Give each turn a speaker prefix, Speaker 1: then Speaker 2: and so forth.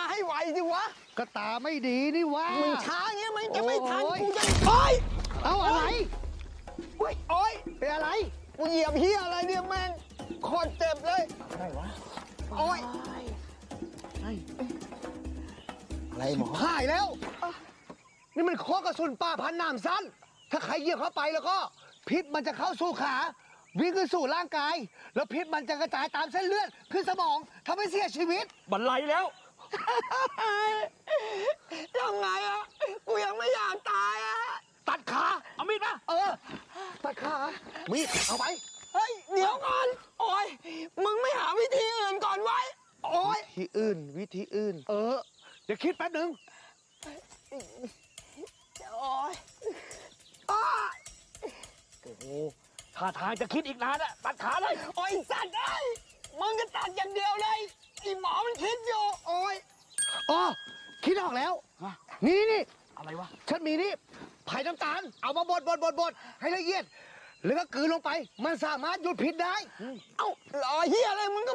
Speaker 1: ให้ไวสิวะ
Speaker 2: ก็ตาไม่ดีนี่วะ
Speaker 1: มึงช้าเงี้ยมันจะไม่ทัน
Speaker 2: โอ้ย
Speaker 1: กูจะโอ๊ย
Speaker 2: เอาอะไร
Speaker 1: โอ๊ยโอ๊ย
Speaker 2: เป็นอะไร
Speaker 1: กูเหยียบเฮียอะไรเนี่ยแม่งโคตรเจ็บเลย
Speaker 2: อะไรวะ
Speaker 1: โอ๊ย
Speaker 2: อะไรหมอหายแล้ว นี่มันข้อกระสุนป้าพันหนามสั้น ถ้าใครเหยียบเข้าไปแล้วก็ พิษมันจะเข้าสู่ขา วิ่งขึ้นสู่ร่างกาย แล้วพิษมันจะกระจายตามเส้นเลือดขึ้นสมองทำให้เสียชีวิต
Speaker 3: บันไลแล้ว
Speaker 1: ยังไงอะกูยังไม่อยากตายอะ
Speaker 2: ตัดขา
Speaker 3: เอามีดมา
Speaker 2: ตัดขา มีดเอาไป
Speaker 1: เฮ้ยเดี๋ยวก่อนโอ๊ยมึงไม่หาวิธีอื่นก่อนไว้โอ๊ย
Speaker 2: วิธีอื่น วิธีอื่น เดี๋ยวคิดแป๊บหนึ่ง
Speaker 1: โอ๊ยอ้า
Speaker 3: โอ้โหท่าทางจะคิดอีกนานอะตัดขาเลย
Speaker 1: โอ๊ยสัตว์ไอ้ยมึงก็ตัดอย่างเดียวเลยไอ้หมอมันคิดอยู่โอ๊ย
Speaker 2: อ๋อ คิดออกแล้ว นี่
Speaker 3: อะไรวะ
Speaker 2: ฉันมีนี่ไผ่น้ำตาล เอามาบดให้ละเอียด แล้วก็กลืนลงไป มันสามารถหยุดพิษได้
Speaker 1: เอ้ารอเฮียอะไรมึง